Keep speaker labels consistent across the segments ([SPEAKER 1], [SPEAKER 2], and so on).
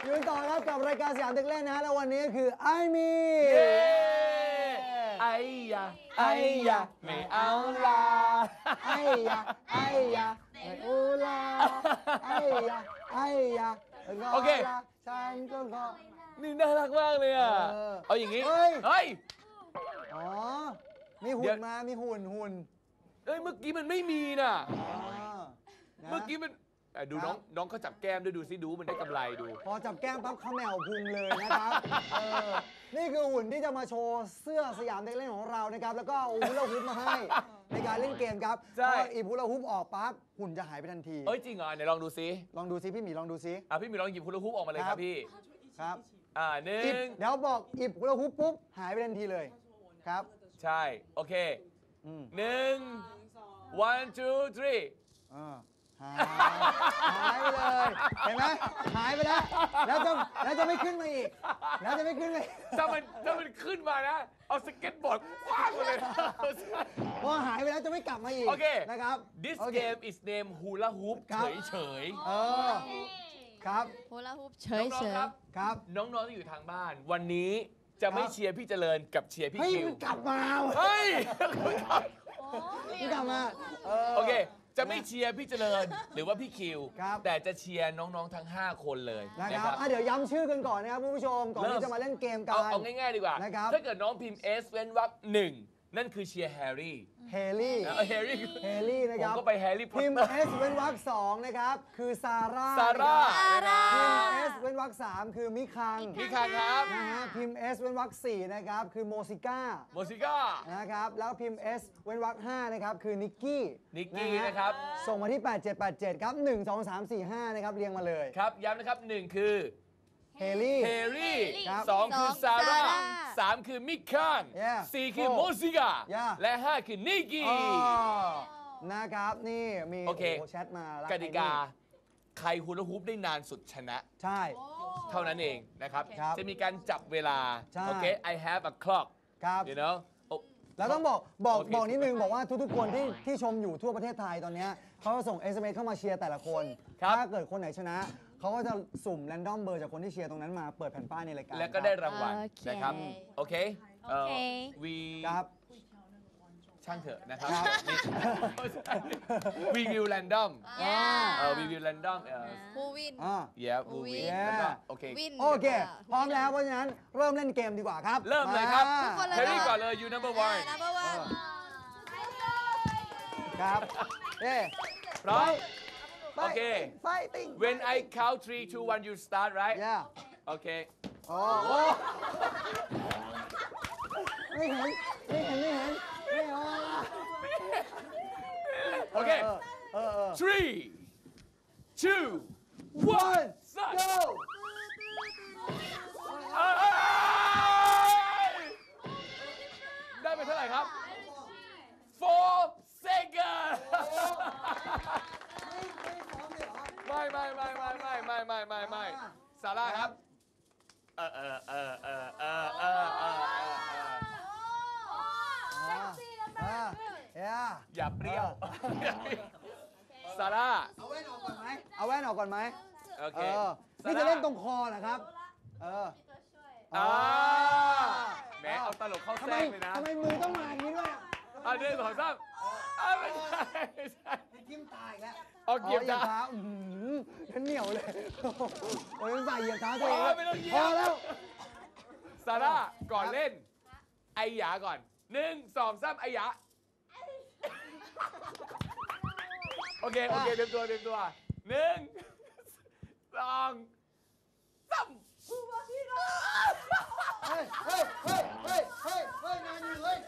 [SPEAKER 1] อยู่ต่อครับกับรายการสยามเด็กเล่นนะฮะแล้ววันนี้คือไอมี
[SPEAKER 2] ไอ้ยาไอ้ยาไม่เอาลา
[SPEAKER 1] ไอ้ยาไอ้ยาไม่อูลาไอ้ยาไอ้ยาโอเคฉันก็ขอ
[SPEAKER 2] นี่น่ารักมากเลยอ่ะเอาอย่างงี้เฮ้ย
[SPEAKER 1] อ๋อมีหุ่นมามีหุ่น
[SPEAKER 2] เอ้ยเมื่อกี้มันไม่มีน่ะเมื่อกี้มันดูน้องเขาจับแก้มด้วยดูซิดูมันได้กำไรดู
[SPEAKER 1] พอจับแก้มปั๊บเขาแมวพุงเลยนะครับนี่คือหุ่นที่จะมาโชว์เสื้อสยามเด็กเล่นของเรานะครับแล้วก็เอาฮูลาฮูปมาให้ในการเล่นเกมครับพออีฮูลาฮูปออกปั๊บหุ่นจะหายไปทันที
[SPEAKER 2] เอ้ยจริงเหรอไหนลองดูซิ
[SPEAKER 1] พี่หมีลองดูซิ
[SPEAKER 2] พี่หมีลองหยิบฮูลาฮูปออกมาเลยครับพี่
[SPEAKER 1] ครับ
[SPEAKER 2] หนึ่ง
[SPEAKER 1] เดี๋ยวบอกอีฮูลาฮูปปุ๊บหายไปทันทีเลยครับ
[SPEAKER 2] ใช่โอเคหนึ่ง one two three
[SPEAKER 1] หายไปเลยเห็นไหมหายไปแล้วจะไม่ขึ้นมาอีกแล้วจะไม่ขึ้นมา
[SPEAKER 2] ถ้ามันขึ้นมานะเอาสเก็ตบอร์ดคว้างไปเลย
[SPEAKER 1] พอหายไปแล้วจะไม่กลับมาอีกนะครับ
[SPEAKER 2] This game is named Hula Hoop เฉย
[SPEAKER 1] ครับ
[SPEAKER 3] ฮูลาฮูปเฉย
[SPEAKER 2] ครับน้องๆที่อยู่ทางบ้านวันนี้จะไม่เชียร์พี่เจริญกับเชียร์พี่คิว
[SPEAKER 1] กลับมา
[SPEAKER 2] เฮ้ย
[SPEAKER 1] กลับมา
[SPEAKER 2] โอเคจะไม่เชียร์พี่เจริญหรือว่าพี่คิวแต่จะเชียร์น้องๆทั้ง5คนเลย
[SPEAKER 1] นะครับเดี๋ยวย้ำชื่อกันก่อนนะครับผู้ชมก่อนที่จะมาเล่นเกมกัน
[SPEAKER 2] เอาง่ายๆดีกว่าถ้าเกิดน้องพิมพ์ S เว้นวรรค1นั่นคือเชียร์แฮร์รี่
[SPEAKER 1] นะครับ
[SPEAKER 2] ผมก็ไปแฮร์รี่พอตเตอร์
[SPEAKER 1] พิมพ์ S เว้นวรรค2นะครับคือซาร่าพิมพ์ S เว้นวรรค3คือมิคัง
[SPEAKER 2] ครับ
[SPEAKER 1] นะฮะพิมพ์ S เว้นวรรค4นะครับคือโมซิก้านะครับแล้วพิมพ์ S เว้นวรรค5นะครับคือนิกกี้
[SPEAKER 2] นะครับ
[SPEAKER 1] ส่งมาที่8787ครับ1 2 3 4 5นะครับเรียงมาเลย
[SPEAKER 2] ครับย้ำนะครับ1คือ
[SPEAKER 1] เฮลี่
[SPEAKER 2] 2คือซาร่า3คือมิคัน4คือโมซิก้าและ5คือนิกกี้
[SPEAKER 1] นะครับนี่มีแชทมาก
[SPEAKER 2] ติกาใครฮูลาฮูปได้นานสุดชนะ
[SPEAKER 1] ใช่
[SPEAKER 2] เท่านั้นเองนะครับจะมีการจับเวลาโอเค I have a clock
[SPEAKER 1] ครับ
[SPEAKER 2] you know
[SPEAKER 1] แล้วต้องบอกนิดนึงบอกว่าทุกๆคนที่ชมอยู่ทั่วประเทศไทยตอนนี้เขาจะส่ง SMS เข้ามาเชียร์แต่ละคนถ้าเกิดคนไหนชนะเขาก็จะสุ่มแรนดอมเบอร์จากคนที่เชียร์ตรงนั้นมาเปิดแผ่นป้ายในรายการ
[SPEAKER 2] แล้วก็ได้รางวัลนะครับโอเคครับช่างเถอะนะครับ we will random we will random
[SPEAKER 3] who win
[SPEAKER 2] who win โอเค
[SPEAKER 1] พร้อมแล้วเพราะฉะนั้นเริ่มเล่นเกมดีกว่าครับ
[SPEAKER 2] เริ่มเลยครับเฮรี่ก่อนเลย you number one
[SPEAKER 1] ครับ
[SPEAKER 2] พร้อมโอเค when I count 3 2 1 you start right
[SPEAKER 1] yeah
[SPEAKER 2] okay
[SPEAKER 1] ไม่เห็น
[SPEAKER 2] โอเค 3 2 1
[SPEAKER 1] go
[SPEAKER 2] ได้ไปเท่าไหร่ครับ4 seconds ไม่ซาร่าครับอย่าเปรี้ยวซาร่า
[SPEAKER 1] เอาแว่นออกก่อนไหม
[SPEAKER 2] โอเค
[SPEAKER 1] นี่จะเล่นตรงคอเหรอครับ
[SPEAKER 2] แหมเอาตลกเข้าแทรกเลยนะ
[SPEAKER 1] ทำไมมือต้องมาอย่างนี้ด้วย
[SPEAKER 2] เดินถอยซ้ำไม่ใช่
[SPEAKER 1] ทิ่มตายแล้ว
[SPEAKER 2] เหยียบเท้า
[SPEAKER 1] ฉันเหนียวเลยโอ้ยใส่เหยียบเท้าตัวเองพอแล้ว
[SPEAKER 2] ซาร่าก่อนเล่นไอหยาก่อน1 2 3ไอหยาโอเคเตรียมตัว1 2 3
[SPEAKER 1] เฮ้ยนานอยู่เลย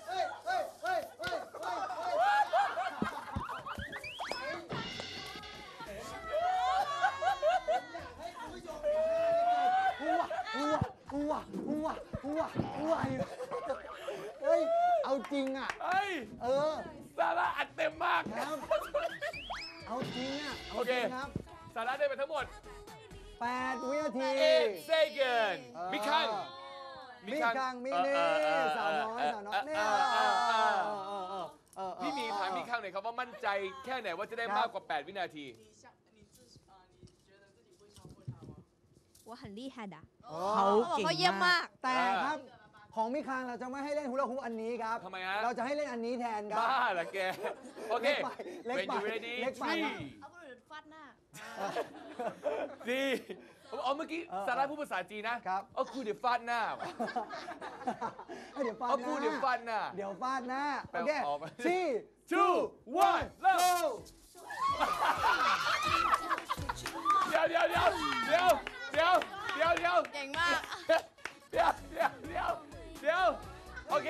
[SPEAKER 1] เอาจริงอ่ะ
[SPEAKER 2] ซาร่าอัดเต็มมาก
[SPEAKER 1] ครับเอาจริงอ่ะ
[SPEAKER 2] โอเคครับซาร่าได้ไปทั้งหมด
[SPEAKER 1] 8 วินาที
[SPEAKER 2] 8 seconds มิคัง
[SPEAKER 1] มินี่สาวน้อยเนี่ย
[SPEAKER 2] พี่มีถามมิคังหน่อยครับว่ามั่นใจแค่ไหนว่าจะได้มากกว่า8 วินาที
[SPEAKER 3] 我很厉害的
[SPEAKER 4] เขา
[SPEAKER 3] เขาบอก
[SPEAKER 4] เก่ง
[SPEAKER 3] เขาเยี่ยม
[SPEAKER 4] มาม
[SPEAKER 3] าก ก
[SPEAKER 1] แต่ครับของมิคานเราจะไม่ให้เล่นฮูลาฮูปอันนี้ครับ
[SPEAKER 2] ทำไมฮะ
[SPEAKER 1] เราจะให้เล่นอันนี้แทนครับ
[SPEAKER 2] บ้าเหรอแก โอเค
[SPEAKER 1] เล็ก
[SPEAKER 2] When
[SPEAKER 1] ไป
[SPEAKER 2] you ready
[SPEAKER 1] เล็กไป
[SPEAKER 2] three
[SPEAKER 3] เอาคนอื่นฟาดหน้า
[SPEAKER 2] ดีเอาเมื่อกี้ซาร่าพูดภาษาจีนนะครับ เอาคูเดี๋ยวฟาดหน้า
[SPEAKER 1] เดี๋ยวฟาด
[SPEAKER 2] เอา
[SPEAKER 1] ห
[SPEAKER 2] คู
[SPEAKER 1] น้า
[SPEAKER 2] เดี๋ยวฟาดหน้า
[SPEAKER 1] เดี๋ยวฟาดหน้า
[SPEAKER 2] แปล
[SPEAKER 1] โอเค
[SPEAKER 2] ออกมา
[SPEAKER 1] 3
[SPEAKER 2] two one เริ่มเดี๋ยว
[SPEAKER 3] เก่งมาก
[SPEAKER 2] โอเค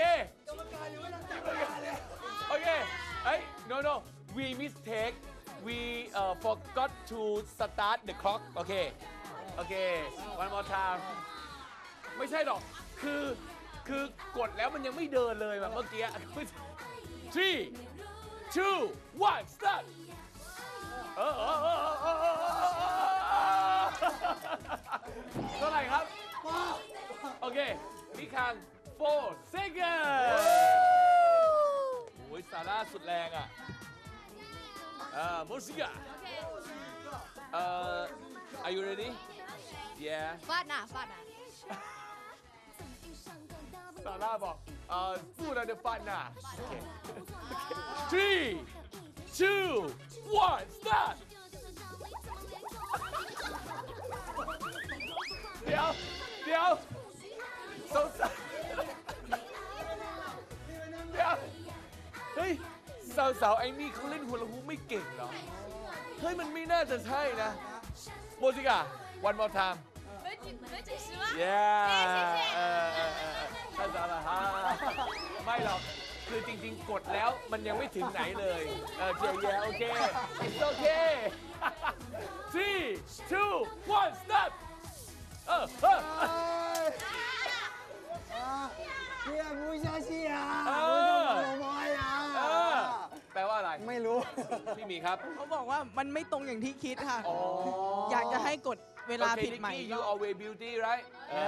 [SPEAKER 2] โอเคเฮ้ย no we mistake we forgot to start the clock โอเค one more time ไม่ใช่หรอก คือกดแล้วมันยังไม่เดินเลยแบบเมื่อกี้ three two one start เท่าไหร่ครับ โอเคพี่คัง4 seconds โอ้ยซาร่าสุดแรงอ่ะโมซิกะare you ready yeah
[SPEAKER 3] ฟาดหน้าฟาดหน้า
[SPEAKER 2] ซาร่าบอกพูดอะไรฟาดหน้าโอเค three two one start เดี๋ยวสงสัยเดี๋ยวเฮ้ยสาวๆไอ้นี่เขาเล่นฮูลาฮูปไม่เก่งเหรอ เฮ้ยมันไม่น่าจะใช่นะโมซิกะ one more time
[SPEAKER 3] 没准时吗
[SPEAKER 2] yeah
[SPEAKER 3] 谢谢
[SPEAKER 2] ท่านสาวฮะไม่หรอก คือจริงๆ กดแล้วมันยังไม่ถึงไหนเลยเจียแย่โอเค it's okay 3 2 1 start
[SPEAKER 1] เฮียมูชาชิอา
[SPEAKER 2] เออ
[SPEAKER 1] มูชาโมยอา
[SPEAKER 2] แปลว่าอะไร
[SPEAKER 1] ไม่รู้
[SPEAKER 2] พี่มีครับ
[SPEAKER 4] เขาบอกว่ามันไม่ตรงอย่างที่คิดค่ะ
[SPEAKER 2] อ๋อ
[SPEAKER 4] อยากจะให้กดเวลา
[SPEAKER 2] Okay,
[SPEAKER 4] ผิดใหม่
[SPEAKER 2] Nikki,
[SPEAKER 4] ก็
[SPEAKER 2] you always beauty right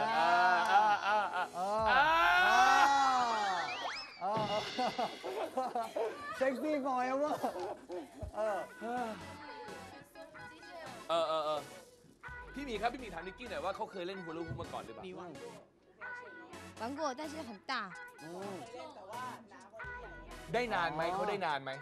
[SPEAKER 1] เซ็กซี่ฟอยเวอร์
[SPEAKER 2] พี่หมีครับ พี่หมีถามนิกกี้หน่อยว่าเขาเคยเล่นฮูลาฮูปมาก่อนหรือเปล่า
[SPEAKER 4] มีวัน
[SPEAKER 3] 玩过但是很大
[SPEAKER 2] ได้นานไหมเขาได้นานไหม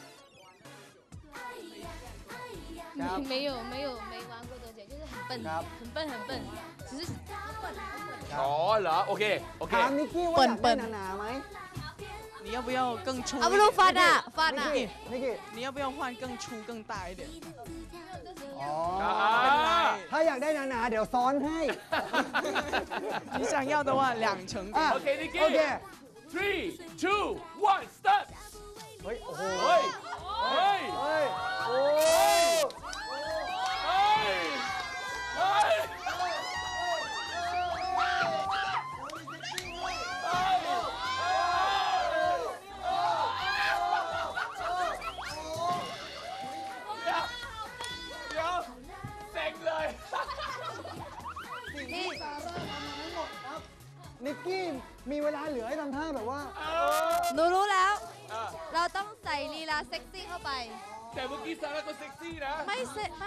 [SPEAKER 3] 没玩过多久就是很笨
[SPEAKER 1] ครับ
[SPEAKER 3] 很笨只是很笨
[SPEAKER 2] อ๋อเหรอ โอเค โอเค
[SPEAKER 1] ถามนิกกี้ว่าอยาก
[SPEAKER 4] เปิ้
[SPEAKER 1] ได้
[SPEAKER 4] ล
[SPEAKER 1] หนาๆไหม
[SPEAKER 4] 你要不要更粗
[SPEAKER 3] 啊不如发大发
[SPEAKER 1] นิก
[SPEAKER 3] 大
[SPEAKER 1] กี้นิกกี้
[SPEAKER 4] 你要不要换更粗更大一点
[SPEAKER 1] อ๋อ
[SPEAKER 4] เป็นไร
[SPEAKER 1] ถ้าอยากได้หนาๆเดี๋ยวซ้อนให้
[SPEAKER 4] 你想要的话2层
[SPEAKER 1] อ่ะ
[SPEAKER 2] โอเคนิกกี้
[SPEAKER 1] โอเค
[SPEAKER 2] 3 2 1 start
[SPEAKER 1] เฮ้ย โอ้โห
[SPEAKER 2] เฮ้ย เฮ้ย
[SPEAKER 1] เฮ้ย โอ้
[SPEAKER 2] เฮ้ย เฮ้ย เดี๋ยวเซ็งเลย
[SPEAKER 3] นี่
[SPEAKER 1] นิกกี้มีเวลาเหลือให้ทำท่าแบบว่า
[SPEAKER 3] หนูรู้แล้ว
[SPEAKER 2] อ่ะ
[SPEAKER 3] เราต้องใส่ลีลาเซ็กซี่เข้าไป
[SPEAKER 2] แต่เมื่อกี้ซาร่าก็เซ็กซี่นะ
[SPEAKER 3] ไม่เซ็ไม่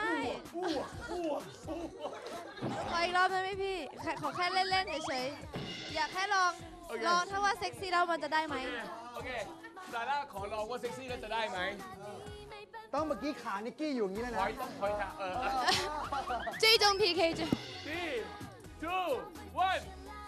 [SPEAKER 3] ขออีกรอบได้ไหมพี่ขอแค่เล่นๆเฉยๆอยากแค่ลองถ้าว่าเซ็กซี่แล้วมันจะได้ไหม
[SPEAKER 2] โอเค ซาร่าขอลองว่าเซ็กซี่แล้วจะได้ไหม
[SPEAKER 1] ต้องเมื่อกี้ขานิกกี้อยู่อย่างนี้เลย
[SPEAKER 2] ถ
[SPEAKER 1] นะ
[SPEAKER 2] อยต้องถอยค่ะ
[SPEAKER 3] 最终 PK 就
[SPEAKER 2] 3 2 1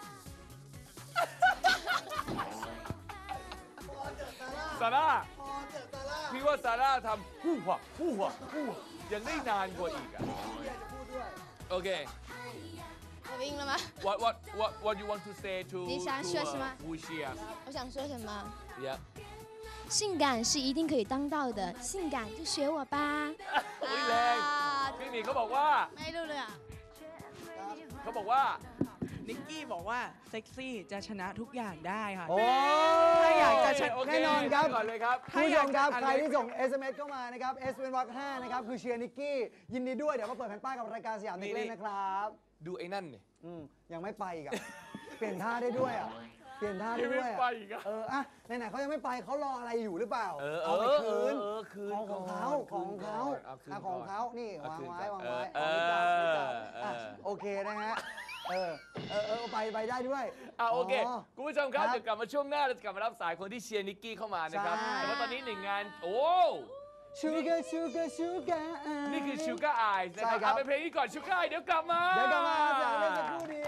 [SPEAKER 2] ซาร่า พี่ว่าซาร่าทำฮู้หัวยังได้นานกว่าอีกอ่ะ โอเค
[SPEAKER 3] 我赢了吗
[SPEAKER 2] what you want to say to
[SPEAKER 3] 你想说什么
[SPEAKER 2] who cheer
[SPEAKER 3] 我想说什么
[SPEAKER 2] yeah
[SPEAKER 3] 性感是一定可以当到的性感就学我吧
[SPEAKER 2] อุ๊ยแรง พี่หมีเขาบอกว่า
[SPEAKER 3] ไม่รู้เลยอ่ะ
[SPEAKER 2] เขาบอกว่า
[SPEAKER 4] นิกกี้บอกว่าเซ็กซี่จะชนะทุกอย่างได้ค่ะ
[SPEAKER 1] โอ้
[SPEAKER 4] ถ้าอยากจะชนะ
[SPEAKER 2] โอเค
[SPEAKER 1] แน่นอนครับ
[SPEAKER 2] ก่อนเลยครับ
[SPEAKER 1] คุณผู้ชมครับ ใครที่ส่ง SMS เข้ามานะครับ S เป็นวรรค5นะครับ คือเชียร์นิกกี้ ยินดีด้วย เดี๋ยวมาเปิดแผ่นป้ายกับรายการสยามเด็กเล่นนะครับ
[SPEAKER 2] ดูไอ้นั่นเนี่ย
[SPEAKER 1] ยังไม่ไปอีกอะ เปลี่ยนท่าได้ด้วยอะเปลี่ยนท่าได้ด้วย
[SPEAKER 2] ยังไม่ไปอีกอะ
[SPEAKER 1] อะไหนๆเขายังไม่ไปเขารออะไรอยู่หรือเปล่า
[SPEAKER 2] เออ
[SPEAKER 1] เอาไปคืน
[SPEAKER 2] คืน
[SPEAKER 1] ของเขา
[SPEAKER 2] ของเขาขึ้น
[SPEAKER 1] ของ
[SPEAKER 2] ก่อน
[SPEAKER 1] เขานี่
[SPEAKER 2] เอา
[SPEAKER 1] วาง
[SPEAKER 2] ขึ้น
[SPEAKER 1] ไว้
[SPEAKER 2] ก่
[SPEAKER 1] วา
[SPEAKER 2] อน
[SPEAKER 1] งไว้
[SPEAKER 2] เออ
[SPEAKER 1] ไม่จับไม่จับ
[SPEAKER 2] เออ
[SPEAKER 1] อ่ะโอเคนะฮะไปได้ด้วย
[SPEAKER 2] โอเค คุณผู้ชมครับ
[SPEAKER 1] ครับ
[SPEAKER 2] เดี๋ยวกลับมาช่วงหน้าเราจะกลับมารับสายคนที่เชียร์นิกกี้เข้ามานะครับ
[SPEAKER 1] ใช่
[SPEAKER 2] แต่ว่าตอนนี้หนึ่งงาน โอ้
[SPEAKER 1] ชูการชูการ
[SPEAKER 2] นี่คือ Sugar Eyes นะค
[SPEAKER 1] ใช่
[SPEAKER 2] รับ
[SPEAKER 1] ครับ
[SPEAKER 2] เอาไปเพลงนี้ก่อน Sugar Eyes เดี๋ยวกลับมา
[SPEAKER 1] เดี๋ยวกลับมาจากเล่นสักครู่เดียว